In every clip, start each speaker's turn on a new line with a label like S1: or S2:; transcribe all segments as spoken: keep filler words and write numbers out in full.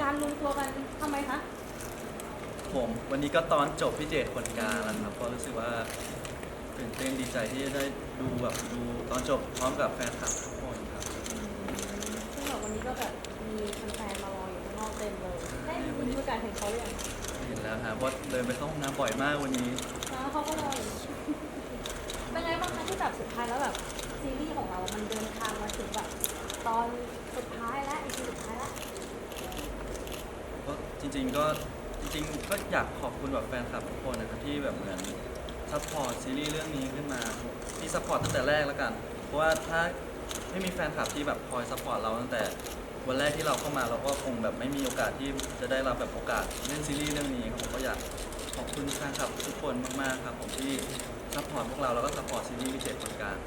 S1: การรวมตัวกันทำไมคะ
S2: ผมวันนี้ก็ตอนจบพี่เจตคนกลางแล้วครับก็รู้สึกว่าตื่นเต้นดีใจที่ได้ดูแบบดูตอนจบพร้อมกับแฟนคลับทุกคนครับ
S1: ซึ่งแบบวันนี้ก็แบบมีแฟนๆมารออยู่ข้างนอกเต็มเลยได้มีโอกาสเห็นเขาหรือยังคะ
S2: เห็นแล้วครับเพราะเดินไปเข้าห้องน้ำบ่อยมากวันนี้
S1: แล้วเขาก็รออยู่เป็นไงบ้างคะที่แบบสุดท้ายแล้วแบบซีรีส์ของเรา มันเดินทางมาถึงแบบตอนสุดท้ายแล้วอีพีสุดท้ายแล้ว
S2: ก็จริงๆก็จริงๆก็อยากขอบคุณแบบแฟนคลับทุกคนนะครับที่แบบเหมือนซัพพอร์ตซีรีส์เรื่องนี้ขึ้นมาที่ซัพพอร์ตตั้งแต่แรกแล้วกันเพราะว่าถ้าไม่มีแฟนคลับที่แบบคอยซัพพอร์ตเราตั้งแต่วันแรกที่เราเข้ามาเราก็คงแบบไม่มีโอกาสที่จะได้รับแบบโอกาสเล่นซีรีส์เรื่องนี้ครับผมก็อยากขอบคุณแฟนคลับทุกคนมากๆครับผมที่ซัพพอร์ตพวกเราแล้วก็ซัพพอร์ตซีรีส์พิเศษคนกลาง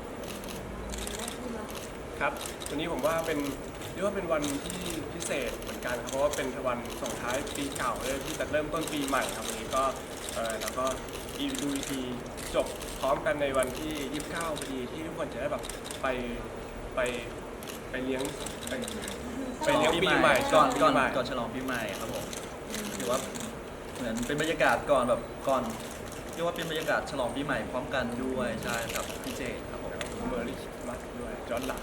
S3: ครับวันนี้ผมว่าเป็นเรียกว่าเป็นวันที่พิเศษเหมือนกันครับเพราะว่าเป็นวันส่งท้ายปีเก่าเลยที่จะเริ่มต้นปีใหม่ครับวันนี้ก็เออแล้วก็อีดูอีพีจบพร้อมกันในวันที่ยี่สิบเก้าพอดีที่ทุกคนจะได้แบบไปไปไปเลี้ยงไปไปเลี้ยงปีใหม่
S2: ก่อนก่อน
S3: ปีใหม่
S2: ก่อนฉลองปีใหม่ครับผมถือว่าเหมือนเป็นบรรยากาศก่อนแบบก่อนเรียกว่าเป็นบรรยากาศฉลองปีใหม่พร้อมกันด้วยใช่ครับพี่เจครับผม
S3: เมอร์รี่มัสด้วยย้อนหลัง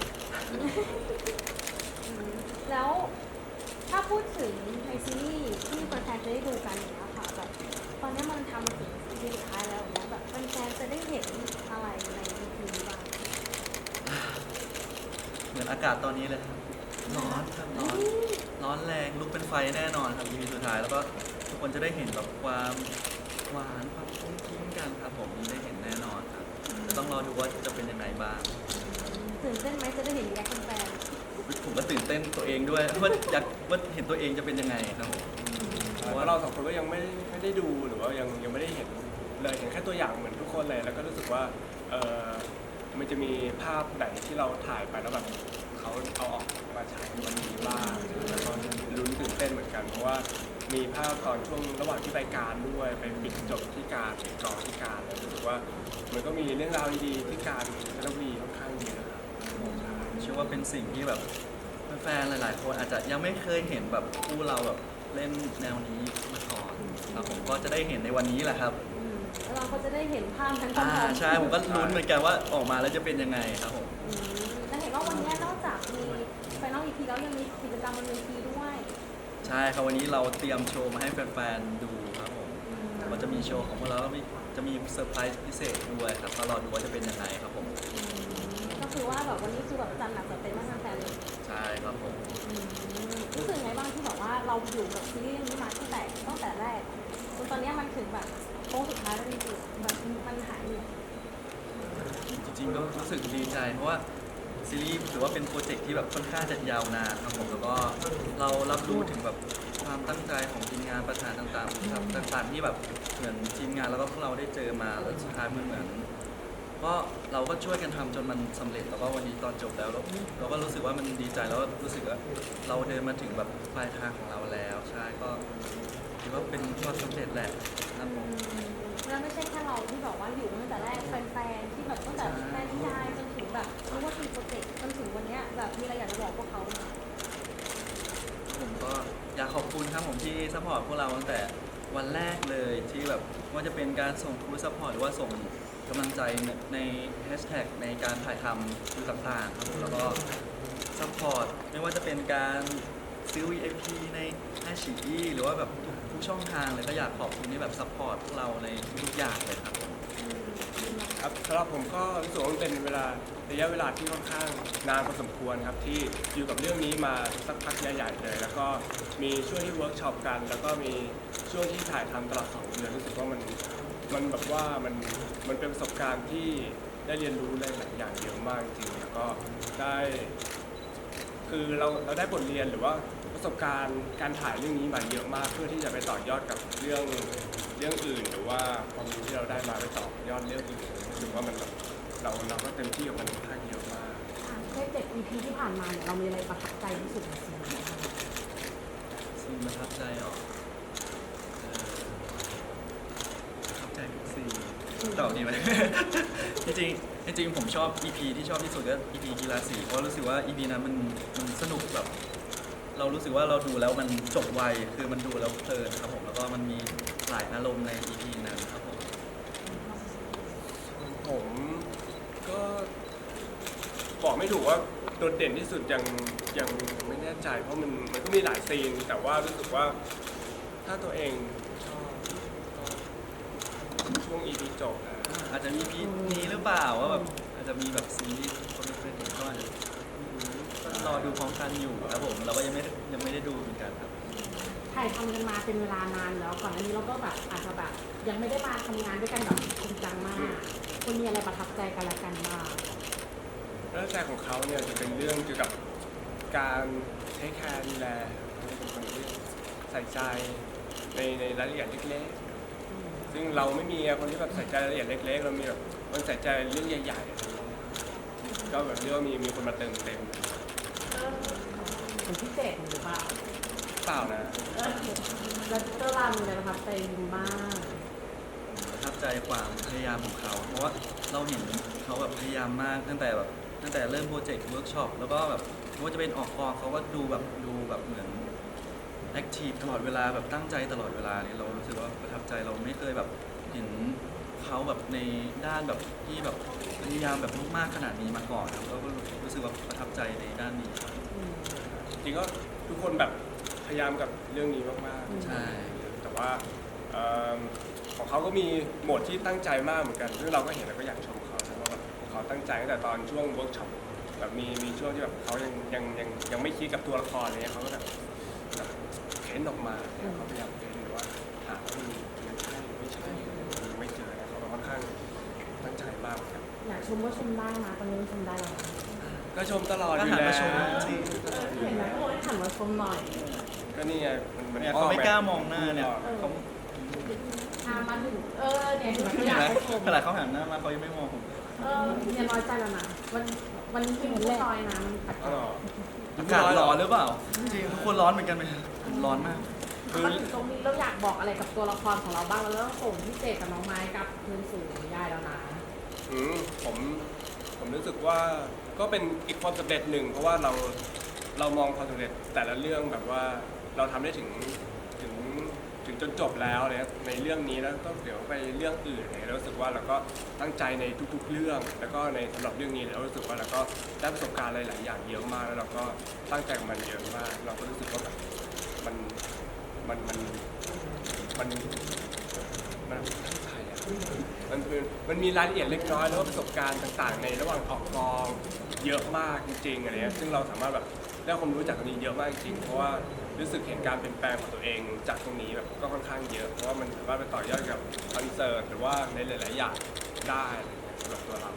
S1: แล้วถ้าพูดถึงในซีรีส์ที่แฟนๆจะได้ดูกันอย่างเงี้ยค่ะแบบตอนนี้มันทำมาถึงซีรีส์สุดท้ายแล้วแล้วแบบแฟนๆจะได้เห็นอะไรใน อี พี นี้บ้าง
S2: เหมือนอากาศตอนนี้เลยครับร้อนครับร้อนร้อนแรงลุกเป็นไฟแน่นอนครับ อี พี สุดท้ายแล้วก็ทุกคนจะได้เห็นแบบความหวานความคุ้มคิ้งกันครับผมได้เห็นแน่นอนครับจะต้องรอดูว่าจะเป็นยังไงบ้าง
S1: ตื่นเต้นไหมจะได้เห็นรีแอคแฟน
S2: ผมก็ตื่นเต้นตัวเองด้วยว่าอยากว่าเห็นตัวเองจะเป็นยังไงครับผม
S3: เพราะว่าเราสองคนก็ยังไม่ไม่ได้ดูหรือว่ายังยังไม่ได้เห็นเลยเห็นแค่ตัวอย่างเหมือนทุกคนเลยแล้วก็รู้สึกว่าเออมันจะมีภาพไหนที่เราถ่ายไปแล้วแบบเขาเอาออกมาฉายในวันนี้บ้างแล้วก็ลุ้นตื่นเต้นเหมือนกันเพราะว่ามีภาพตอนช่วงระหว่างที่ไปการด้วยไปปิดจบที่การปิดกองที่การรู้สึกว่ามันก็มีเรื่องราวดีๆที่การจันทบุรีค่อนข้างเยอะครับ
S2: เชื่อว่าเป็นสิ่งที่แบบแฟนๆหลายๆคนอาจจะยังไม่เคยเห็นแบบคู่เราแบบเล่นแนวนี้มาก่อนครับผมก็จะได้เห็นในวันนี้แหละครับ
S1: แล้วเราก็จะได้เห็นภาพทั้งสอง
S2: อ่าใช่ผมก็ลุ้นเหมือนกันว่าออกมาแล้วจะเป็นยังไงครับผม
S1: และเห็นว่าวันนี้นอกจากมีไฟนอล อี พี แล้วยังมีกิจกรรมบนเวทีด้วย
S2: ใช่ครับวันนี้เราเตรียมโชว์มาให้แฟนๆดูครับผมมันจะมีโชว์ของพวกเราแล้วจะมีเซอร์ไพรส์พิเศษด้วยครับก็รอดูว่าจะเป็นยังไงครับผม
S1: ก็คือว่าแบบวันนี้คือแบบจันหนักจัดเต็มมากแฟนเลย
S2: ใช่ครับผม
S1: รู้สึกไงบ้างที่แบบว่าเราอยู่กับซีรีส์นี้มาตั้งแต่ตั้งแต่แรกจนตอนนี้มันถึงแบบโค้งสุดท้ายแล้วจริงๆแบบมันหายเหนื่อย
S2: จริงๆก็รู้สึกดีใจเพราะว่าซีรีส์ถือว่าเป็นโปรเจกต์ที่แบบค่อนข้างจะยาวนานครับผมแล้วก็เรารับรู้ถึงแบบความตั้งใจของทีมงานประธานต่างๆครับต่างๆที่แบบเหมือนทีมงานแล้วก็พวกเราได้เจอมาแล้วสุดท้ายมันเหมือนก็เราก็ช่วยกันทำจนมันสำเร็จแล้วก็วันนี้ตอนจบแล้วเราเราก็รู้สึกว่ามันดีใจแล้วรู้สึกว่าเราเดินมาถึงแบบปลายทางของเราแล้วใช่ก็ถือว่าเป็นความสำเร็จแหละครับผม
S1: แล้วไม่ใช่แค่เราที่บอกว่าอยู่ตั้งแต่แรกแฟนๆที่แบบตั้งแต่แฟนนิยายจนถึงแบบรู้ว่าทีโปรเจกต์จนถึงวันนี้แบบมีอะไรอยากจะบอกพวกเขาไหม
S2: ผมก็อยากขอบคุณครับผมที่ซัพพอร์ตพวกเราตั้งแต่วันแรกเลยที่แบบว่าจะเป็นการส่งคูซัพพอร์ตหรือว่าส่งกำลังใจในแฮชแท็กในการถ่ายทำคือต่างๆครับผมแล้วก็ซัพพอร์ตไม่ว่าจะเป็นการซื้อ วี ไอ พี ในไอชีอีหรือว่าแบบทุกทุกช่องทางเลยก็อยากขอบคุณที่แบบซัพพอร์ตพวกเราในทุกอย่างเลยครับผม
S3: ครับสำหรับผมก็รู้สึกว่ามันเป็นเวลาระยะเวลาที่ค่อนข้างนานพอสมควรครับที่อยู่กับเรื่องนี้มาสักพักใหญ่ๆเลยแล้วก็มีช่วงที่เวิร์กช็อปกันแล้วก็มีช่วงที่ถ่ายทำตลอดสองเดือนรู้สึกว่ามันมันแบบว่ามันมันเป็นประสบการณ์ที่ได้เรียนรู้หลายอย่างเยอะมากจริงๆแล้วก็ได้คือเราเราได้บทเรียนหรือว่าประสบการณ์การถ่ายเรื่องนี้มาเยอะมากเพื่อที่จะไปต่อยอดกับเรื่องเรื่องอื่นหรือว่าความรู้ที่เราได้มาไปต่อยอดเรื่องอื่นรู้สึกว่ามันเราเราก็เต็มที่กับมันค่อนข้างเยอะมาก
S1: แค่เจ็ด อี พี ที่ผ่านมาเนี่ยเรามีอะไรประทับใจที่สุดในซีรีส์
S2: ซีนประทับใจหรอประทับใจทุกซีนตอบดีไหม จริงๆจริงๆผมชอบ อี พี ที่ชอบที่สุดก็ อี พี กีฬาสีเพราะรู้สึกว่า อี พี นั้นมันมันสนุกแบบเรารู้สึกว่าเราดูแล้วมันจบไวคือมันดูแล้วเพลินครับผมแล้วก็มันมีหลายอารมณ์ใน อี พี นั้นครับผม
S3: ผมก็บอกไม่ถูกว่าโดดเด่นที่สุดยังยังไม่แน่ใจเพราะมันมันก็มีหลายซีนแต่ว่ารู้สึกว่าถ้าตัวเองชอบก็ช่วง อี พี จบนะ
S2: อาจจะมี อี พี นี้หรือเปล่าว่าแบบอาจจะมีแบบซีรีส์คนไม่เคยเห็นก็อาจจะก็รอดูพร้อมกันอยู่ครับผมเราก็ยังไม่ยังไม่ได้ดูเหมือนกันครับ
S4: ถ่ายทำกันมาเป็นเวลานานแล้วก่อนอันนี้เราก็แบบอาจจะแบบยังไม่ได้มาทำงานด้วยกันแบบจริงจังมากคุณมีอะไรประทับใจกันและกันบ้าง
S3: เรื่องแรกของเขาเนี่ยจะเป็นเรื่องเกี่ยวกับการใช้แคร์ดูแลเป็นคนที่ใส่ใจในในรายละเอียดเล็กๆซึ่งเราไม่มีคนที่แบบใส่ใจรายละเอียดเล็กๆเรามีแบบคนใส่ใจเรื่องใหญ่ๆอะไรอย่างเงี้ยก็แบบเรียกว่ามีมีคนมาเติมเต็ม
S4: เป็นพิเศษหรือเปล่า
S3: เปล่านะ
S4: เออแล้วเตอร์รามีอะไรประทับใจคุณบ้าง
S2: ประทับใจความพยายามของเขา เพราะว่าเราเห็นเขาแบบพยายามมากตั้งแต่แบบตั้งแต่เริ่มโปรเจกต์เวิร์กช็อปแล้วก็แบบไม่ว่าจะเป็นออกกองเขาก็ดูแบบดูแบบเหมือนแอคทีฟตลอดเวลาแบบตั้งใจตลอดเวลาเนี่ยเรารู้สึกว่าประทับใจเราไม่เคยแบบเห็นเขาแบบในด้านแบบที่แบบพยายามแบบมากๆขนาดนี้มาก่อนครับแล้วก็รู้สึกว่าประทับใจในด้านนี้ครับ
S3: จริงก็ทุกคนแบบพยายามกับเรื่องนี้มากๆ
S2: ใช่
S3: แต่ว่าเอิ่มของเขาก็มีโหมดที่ตั้งใจมากเหมือนกันซึ่งเราก็เห็นแล้วก็อยากชมเขาใช่ว่าแบบเขาตั้งใจตั้งแต่ตอนช่วงเวิร์กช็อปแบบมีมีช่วงที่แบบเขายังยังยังยังไม่คิดกับตัวละครอะไรเงี้ยเขาก็แบบแบบเค้นออกมาเนี่ยเขาพยายามเค้นหรือว่าหาว่ามันมันใช่หรือไม่ใช่หรือไม่เจอเนี่ยเขาค่อนข้างตั้งใจมากเหมือนกัน
S4: อยากชมก็ชมได้นะตอนนี้ชมได้แล้วนะ
S3: ก็ชมตลอด
S2: ก็
S3: อยู่
S2: หัน
S3: แล้ว
S2: มาชมจริง
S4: เห็นไหมเขาบอกให้หันมาชมหน่อย
S3: ก็นี่ไงมันมัน
S2: เนี่ยเขาไม่กล้ามองหน้าเนี่ย
S4: เออ
S2: เขา
S4: พามาถึงเออเนี่ยถึง
S2: เห็
S4: อยาน ก
S2: ไหม
S4: ให้ชม
S2: ขนาดเขาหันหน้ามาเขายังไม่มองผม
S4: เออเนี่ยน้อยใจแล้วนะวันวันนี้เป็นผู้ลอยนะมันปัด
S3: อ๋อเหรอ
S2: อากาศร้อนหรือเปล่า จริงทุกคนร้อนเหมือนกันไหมร้อนมาก
S4: มาถึงตรงนี้เราอยากบอกอะไรกับตัวละครของเราบ้างแล้วเราต้องส่งพี่เจกับน้องไม้กับคืนสู่นิยายแล้วนะ
S3: อืมผมผมรู้สึกว่าก็เป็นอีกความสำเร็จหนึ่งเพราะว่าเราเรามองความสำเร็จแต่ละเรื่องแบบว่าเราทำได้ถึงถึงถึงจนจบแล้วเนี่ยในเรื่องนี้แล้วก็เดี๋ยวไปเรื่องอื่นเนี่ยเรารู้สึกว่าเราก็ตั้งใจในทุกๆเรื่อง แล้วก็ในสำหรับเรื่องนี้เรารู้สึกว่าเราก็ได้ประสบการณ์หลายๆอย่างเยอะมากแล้วเราก็ตั้งใจกับมันเยอะมาก เราก็รู้สึกว่าแบบมันมันมันมันมันตั้งใจอะ มันเป็นมันมีรายละเอียดเล็กน้อยแล้วก็ประสบการณ์ต่างๆ ในระหว่างออกกองเยอะมากจริงๆอะไรเงี้ยซึ่งเราสามารถแบบได้ความรู้จากตรงนี้เยอะมากจริงๆเพราะว่ารู้สึกเห็นการเปลี่ยนแปลงของตัวเองจากตรงนี้แบบก็ค่อนข้างเยอะเพราะว่ามันสามารถไปต่อยอดกับคอนเสิร์ตหรือว่าในหลายๆอย่างได้อะไรเงี้ยสำหรับตัวเรา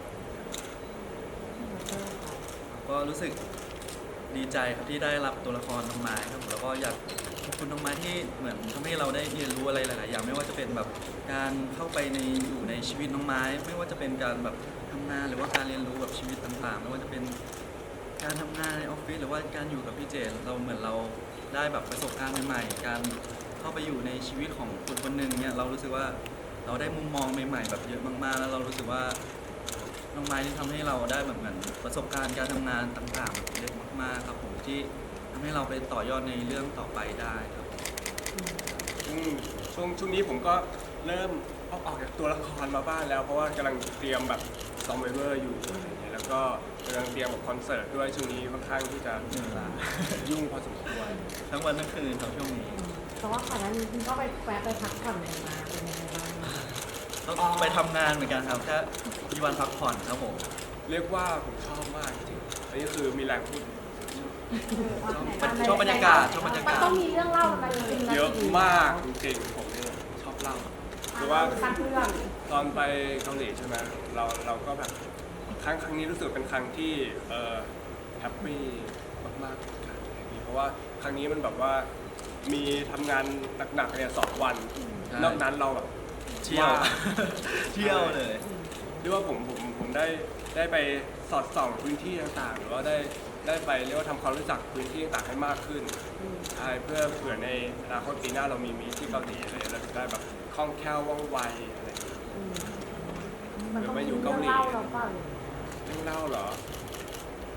S2: ก็รู้สึกดีใจครับที่ได้รับตัวละครน้องไม้ครับผมแล้วก็อยากขอบคุณน้องไม้ที่เหมือนทำให้เราได้เรียนรู้อะไรหลายๆอย่างไม่ว่าจะเป็นแบบการเข้าไปในอยู่ในชีวิตน้องไม้ ไม่ว่าจะเป็นการแบบทำงานหรือว่าการเรียนรู้แบบชีวิตต่างๆ ไม่ว่าจะเป็นการทำงานในออฟฟิศหรือว่าการอยู่กับพี่เจนเราเหมือนเราได้แบบประสบการณ์ใหม่ๆการเข้าไปอยู่ในชีวิตของคนคนหนึ่งเนี่ยเรารู้สึกว่าเราได้มุมมองใหม่ๆแบบเยอะมากๆ แล้วเรารู้สึกว่า น้องไม้ที่ทำให้เราได้แบบเหมือนประสบการณ์การทำงานต่างๆเยอะมากๆครับผมที่ทำให้เราไปต่อยอดในเรื่องต่อไปได้ครับ
S3: อืมช่วงช่วงนี้ผมก็เริ่มออกออกจากตัวละครมาบ้างแล้ว เพราะว่ากำลังเตรียมแบบซอมไวเวอร์อยู่อะไรอย่างเงี้ยแล้วก็กำลังเตรียมแบบคอนเสิร์ตด้วยช่วงนี้ค่อนข้างที่จะ
S2: เหนื่อยล้า
S3: ยุ่งพอสมควร
S2: ทั้งวันทั้งคืนครับช่วงนี้
S4: แต่ว่าก่อนหน้านี้คุณก็ไปแวะไปพักผ่อนกันมาเป็นยังไงบ้าง
S2: ต้องไปทำงานเหมือนกันครับแค่มีวันพักผ่อนครับผม
S3: เรียกว่าผมชอบมากจริงๆอันนี้คือมีแรงพูด
S2: ชอบบรรยากาศชอบบรรยา
S4: มัน
S2: กาศ
S4: ต้องมีเรื่องเล่าอะไรจริงๆ
S3: เยอะมากจริงๆผมเนี่ยชอบเล่าหรือว่า
S4: สร้างเรื่อง
S3: ตอนไปเกาหลีใช่ไหมเราเราก็แบบครั้งครั้งนี้รู้สึกเป็นครั้งที่เอ่อแฮปปี้มากๆเหมือนกันเพราะว่าครั้งนี้มันแบบว่ามีทำงานหนักๆเนี่ยสองวัน
S2: ใช่
S3: นอกนั้นเราแบบ
S2: เที่ยว
S3: ว่า
S2: เที่ยวเลย
S3: เรียกว่าผมผมผมได้ได้ไปสอดส่องพื้นที่ต่างๆ หรือว่าได้ได้ไปเรียกว่าทำความรู้จักพื้นที่ต่างๆให้มากขึ้นใช่เพื่อเผื่อในอนาคตปีหน้าเรามีมีที่เกาหลีอะไรเราจะได้แบบคล่องแคล่วว่องไวอะไรอย่างเงี้ย
S4: มันต้องมีเรื่องเล่าเราเปล่า
S3: เรื่องเล่าเหรอ อื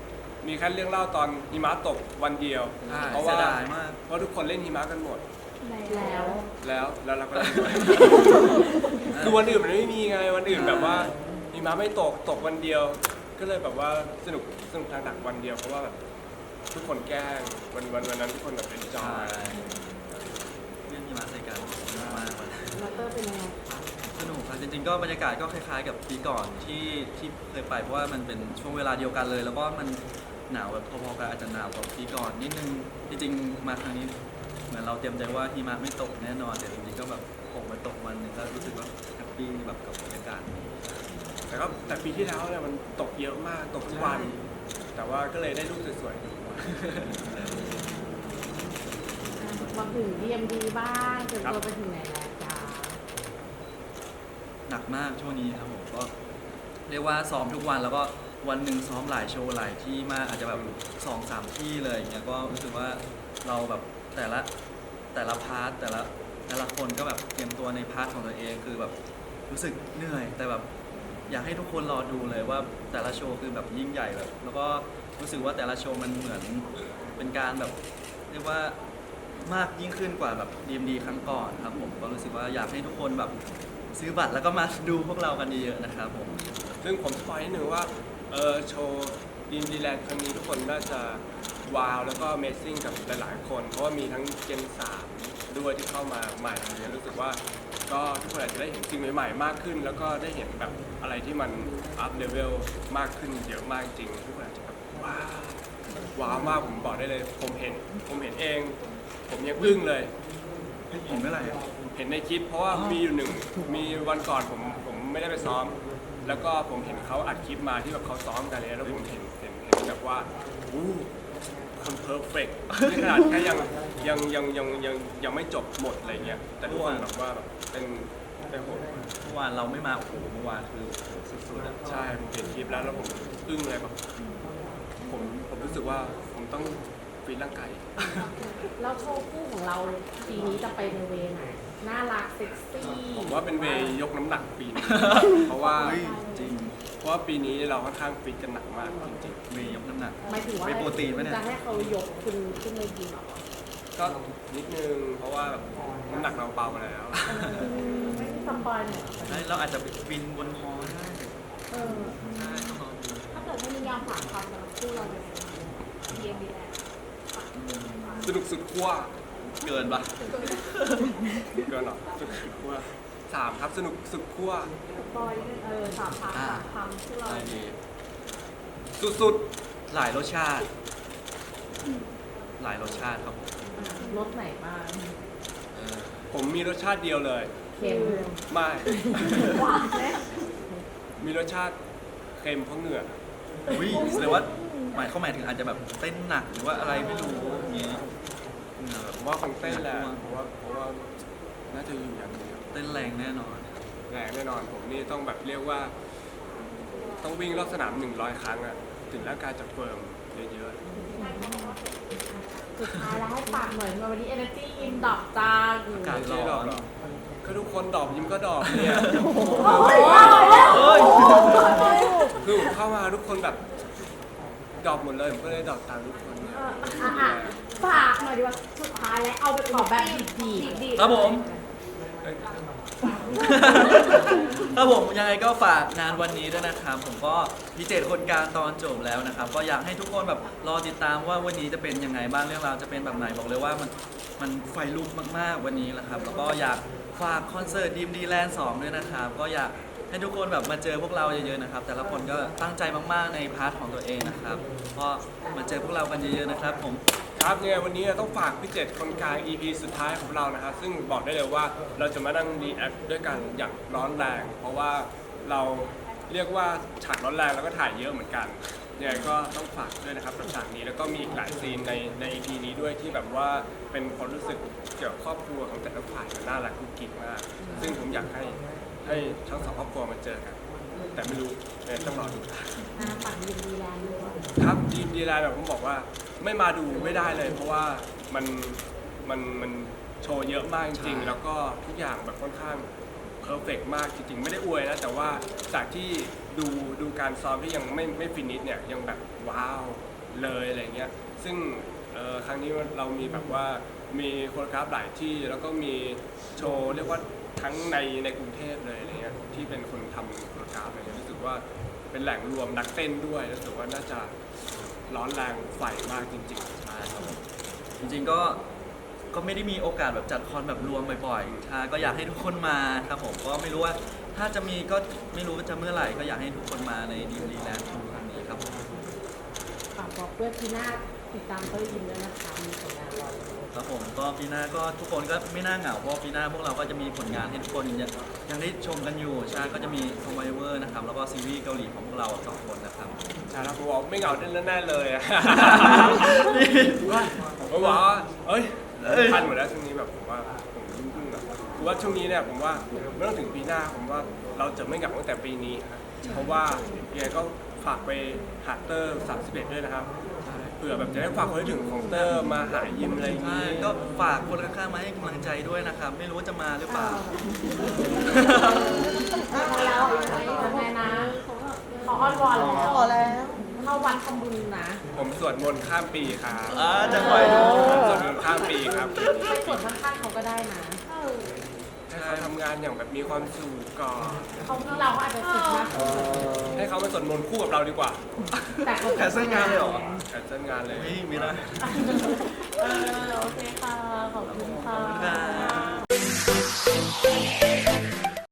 S3: มีแค่เรื่องเล่าตอนหิมะตกวันเดียว
S2: ใช่
S3: เพราะ
S2: เสี
S3: ว่าย
S2: ดายมาก
S3: เพราะทุกคนเล่นหิมะกันหมด
S4: แล้ว
S3: แล้วแล้วเราก็เล่นด้วย คือวันอื่นมันไม่มีไงวันอื่นแบบว่าหิมะไม่ตกตกวันเดียว ก็เลยแบบว่าสนุกสนุกทางหนักวันเดียวเพราะว่าแบบทุกคนแกล้งวันวันวันนั้นทุกคนแบบเป็นจอ
S2: ใช่
S3: ย
S2: เรื่องหิมะใส่กันสนุกมากเลย
S4: แล้วเตอร์เป็นยังไงคะ
S2: สนุกครับจริงๆก็บรรยากาศก็คล้ายๆกับปีก่อนที่ที่เคยไปเพราะว่ามันเป็นช่วงเวลาเดียวกันเลย แล้วก็มันหนาวแบบพอๆกันอาจจะหนาวกว่าปีก่อนนิดนึงจริงๆมาครั้งนี้เหมือนเราเตรียมใจว่าหิมะไม่ตกแน่นอนแต่จริงๆก็แบบตกมาตกวันหนึงก็รู้สึกว่าแฮปปี้แบบกับบรรยากาศนี้
S3: แต่ก็แต่ปีที่แล้วเนี่ยมันตกเยอะมากตกทุกวัน แต่ว่าก็เลยได้รูปสวยๆทุกวัน
S4: มาถึง ดี เอ็ม ดี บ้างเตรียม
S3: ครับ
S4: ตัวไปถึงไหนแล้วจ้า
S2: หนักมากช่วงนี้ครับผมก็เรียกว่าซ้อมทุกวันแล้วก็วันหนึ่งซ้อมหลายโชว์หลายที่มากอาจจะแบบสองสามที่เลยอย่างเงี้ยก็รู้สึกว่าเราแบบแต่ละแต่ละพาร์ทแต่ละแต่ละคนก็แบบเตรียมตัวในพาร์ทของตัวเองคือแบบรู้สึกเหนื่อย แต่แบบอยากให้ทุกคนรอดูเลยว่าแต่ละโชว์คือแบบยิ่งใหญ่แบบแล้วก็รู้สึกว่าแต่ละโชว์มันเหมือนเป็นการแบบเรียกว่ามากยิ่งขึ้นกว่าแบบ ดี เอ็ม ดี ครั้งก่อนครับผมก็รู้สึกว่าอยากให้ทุกคนแบบซื้อบัตรแล้วก็มาดูพวกเรากันเยอะๆนะครับผม
S3: ซึ่งผมสปอยนิดนึงว่าเออโชว์ดีมดีแลนด์ครั้งนี้ทุกคนน่าจะว้าวแล้วก็ Amazing กับหลายๆคน เพราะว่ามีทั้งเจนสามด้วยที่เข้ามาใหม่เนี่ยรู้สึกว่าก็ทุกคนอาจจะได้เห็นสิ่งใหม่ๆมากขึ้น แล้วก็ได้เห็นแบบอะไรที่มันอัพเลเวลมากขึ้นเยอะมากจริงทุกคนอาจจะแบบว้าวว้าวมากผมบอกได้เลยผมเห็นผมเห็นเอง ผมยังอึ้งเลย
S2: เห็นเมื่อไหร่
S3: เห็นในคลิปเพราะว่ามีอยู่หนึ่งมีวันก่อนผมผมไม่ได้ไปซ้อม แล้วก็ผมเห็นเขาอัดคลิปมาที่แบบเขาซ้อมกันเลยแล้วผมเห็นเห็นเห็นแบบว่าอู้คนเพอร์เฟกต์นี่ขนาดแค่ยังยังยังยังยังยังไม่จบหมดอะไรเงี้ยแต่ทุกคนแบบว่าแบบเป็นเป็นโหด
S2: เมื่อวานเราไม่มาโอ้โหเมื่อวานคือโอ้โหสุดๆอะ
S3: ใช่ผมเห็นคลิปแล้วแล้วผมอึ้งเลยแบบผมผมรู้สึกว่าผมต้องฟีดร่างกาย
S4: แล้วโชว์คู่ของเราปีนี้จะไปในเวย์ไหนน่ารักเซ็กซี่
S3: ผมว่าเป็นเวย์ยกน้ำหนักปีนี้ เพราะว่า
S2: เฮ้ยจริง
S3: เพราะว่าปีนี้เราค่อนข้างฟิตกันหนักมากจริง
S2: เมย์ยกน้ำหนัก
S4: หมายถึงว่า
S2: ไม่โปรตีนปะเนี่ย
S4: จะให้เขายกคุณขึ้นเวทีเหรอ
S3: ๆก็นิดนึงเพราะว่าแบบน้ำหนักเราเบาแล้ว
S4: ไม่ได้สปอยหน่อย
S2: ใช่เราอาจจะไปบินบนฮอได้
S4: เออ
S2: ใช่ต้องรอดู
S1: ถ้าเกิดไม่มียามฝากความสำหรับคู่เราเลยเดียมดีแลนด์
S3: สนุกสุดขั้ว
S2: เกินปะ
S3: เกินหรอสนุกสุดขั้วสามครับสนุกสุดขั้ว
S1: สปอยด้วยเออสามคำสามคำคู่เรา
S2: ใช่ดี
S3: สุด
S2: หลายรสชาติ หลายรสชาติครับผม
S4: รสไหนบ้าง
S2: เออ
S3: ๆผมมีรสชาติเดียวเลย
S4: เค็ม
S3: ไม่
S1: หวานไหม
S3: มีรสชาติเค็มเพราะเหงื่อ
S2: วิแสดงว่าหมายเขาหมายถึงอาจจะแบบเต้นหนักหรือว่าอะไรไม่รู้อย่างงี้เหงื่อแบบ
S3: ผมว่าคงเต้นแหละเพราะว่าเพราะว่าน่าจะอยู่อย่างเดียว
S2: เต้นแรงแน่นอน
S3: แรงแน่นอนผมนี่ต้องแบบเรียกว่า ต้องวิ่งรอบสนามหนึ่งร้อยครั้งอะถึงร่างกายจะเฟิร์มเยอะ
S4: สุดท้ายแล้วให้ฝากหน่อยวันนี้ Energy อินดอกจ้า
S3: ๆ
S2: การ
S3: ไม่ใช่ดอกหรอกก็ทุกคนดอกยิ้มก็ดอกเนี่ย
S2: เฮ้ย
S3: คือผมเข้ามาทุกคนแบบดอกหมดเลยผมก็เลยดอกตามทุกคนเนี่ย
S4: อ่ะอ่ะฝากหน่อยดีกว่าสุดท้ายแล้วเอาไปขอแบบดีๆ
S1: ดี
S2: ครับผม
S3: เอ้ย
S2: ครับผมยังไงก็ฝากงานวันนี้ด้วยนะครับ ผมก็พิเศษคนกลางตอนจบแล้วนะครับ ก็อยากให้ทุกคนแบบรอติดตามว่าวันนี้จะเป็นยังไงบ้างเรื่องราวจะเป็นแบบไหนบอกเลยว่ามันมันไฟลุกมากๆวันนี้นะครับ แล้วก็อยากฝากคอนเสิร์ตดีมดีแลนด์สองด้วยนะครับ ก็อยากให้ทุกคนแบบมาเจอพวกเราเยอะๆนะครับ แต่ละคนก็ตั้งใจมากๆในพาร์ทของตัวเองนะครับก็มาเจอพวกเรากันเยอะๆนะครับ ผม
S3: ครับยังไงวันนี้ต้องฝากพี่เจ็ดคนกลาง อี พี สุดท้ายของเรานะครับ ซึ่งบอกได้เลยว่าเราจะมานั่งรีแอคด้วยกันอย่างร้อนแรง เพราะว่าเราเรียกว่าฉากร้อนแรงแล้วก็ถ่ายเยอะเหมือนกันยังไงก็ต้องฝากด้วยนะครับกับฉากนี้แล้วก็มีอีกหลายซีนในใน อี พี นี้ด้วยที่แบบว่าเป็นความรู้สึกเกี่ยวกับครอบครัวของแต่ละฝ่ายมันน่ารักกุ๊กกิ๊กมาก ซึ่งผมอยากให้ให้ทั้งสองครอบครัวมาเจอกัน แต่ไม่รู้ยังไงต้องรอดู
S4: อ่ะฝากดีดีแลนด์ด้วย
S3: ครับดีมดีไลน์แบบผมบอกว่าไม่มาดูไม่ได้เลย เพราะว่ามันมันมันโชว์เยอะมากจริง
S2: ใช่
S3: ๆ แล้วก็ทุกอย่างแบบค่อนข้างเพอร์เฟกมากจริงๆ ไม่ได้อวยนะ แต่ว่าจากที่ดูดูการซ้อมที่ยังไม่ไม่ฟินิชเนี่ยยังแบบว้าวเลยอะไรเงี้ยซึ่งเอ่อครั้งนี้เรามีแบบว่ามีโคโรกราฟหลายที่แล้วก็มีโชว์เรียกว่าทั้งในในกรุงเทพเลยอะไรเงี้ยที่เป็นคนทำโคโรกราฟอะไรเงี้ยรู้สึกว่าเป็นแหล่งรวมนักเต้นด้วยรู้สึกว่าน่าจะร้อนแรงไฟมากจริงๆ
S2: ใช่ครับผมจริงๆก็ก็ไม่ได้มีโอกาสแบบจัดคอนแบบรวมบ่อยๆใช่ก็อยากให้ทุกคนมาครับผมก็ไม่รู้ว่าถ้าจะมีก็ไม่รู้ว่าจะเมื่อไหร่ก็อยากให้ทุกคนมาในดีดีแลนด์ครั้งนี้ครับผม
S4: ฝากบอกเพื่อนปีหน้าติดตามเต้ยยิมด้วยนะคะมีผลงานรออยู่
S2: ครับผมก็ปีหน้าก็ทุกคนก็ไม่น่าเหงาเพราะว่าปีหน้าพวกเราก็จะมีผลงานให้ทุกคนยังยังได้ชมกันอยู่ใช่ก็จะมี Survivor นะครับแล้วก็ซีรีส์เกาหลีของพวกเราสองคนนะครับ
S3: ใช่ครับผมบอกไม่เหงาแน่ๆเลยอะ ผมก็บอกว่าเอ้ยทันหมดแล้วช่วงนี้แบบผมว่าผมยุ่งๆอะผมว่าช่วงนี้เนี่ยผมว่าไม่ต้องถึงปีหน้าผมว่าเราจะไม่เหงาตั้งแต่ปีนี้ครับเพราะว่ายังไงก็ฝากไปหาเตอร์สามสิบเอ็ดด้วยนะครับเผื่อแบบจะได้ฝากคนให้ถึงของเตอร์มาหายิมอะไรอย่าง
S2: ใช่
S3: นี้
S2: ก็ฝากคนข้างๆมาให้กำลังใจด้วยนะครับ ไม่รู้ว่าจะมาหรือเปล่า
S4: แล้วยังไงนะขออ้อนวอนแล้ว
S1: ขอแล้ว
S4: เข้าวัดทำบุญนะ
S3: ผมสวดมนต์ข้ามปีครับ
S2: อ่าจังหวะ
S3: ผมสวดมนต์ข้ามปีครับ
S4: ไปสวดข้างๆเขาก็ได้นะ
S3: ใช่ทำงานอย่างแบบมีความสุขก่อน
S4: เขาที่เราก็อาจจะสุดมาก
S3: ให้เขามาสวดมนต์คู่กับเราดีกว่า
S4: แต่เขา
S2: แคนเซิลงานเลยเหรอ
S3: แคนเซิลงานเลย
S2: ไม่ไม่ได้
S1: เออโอเคค่ะ ขอบคุณ
S2: ขอบ
S1: ค่ะ
S2: คุณครับ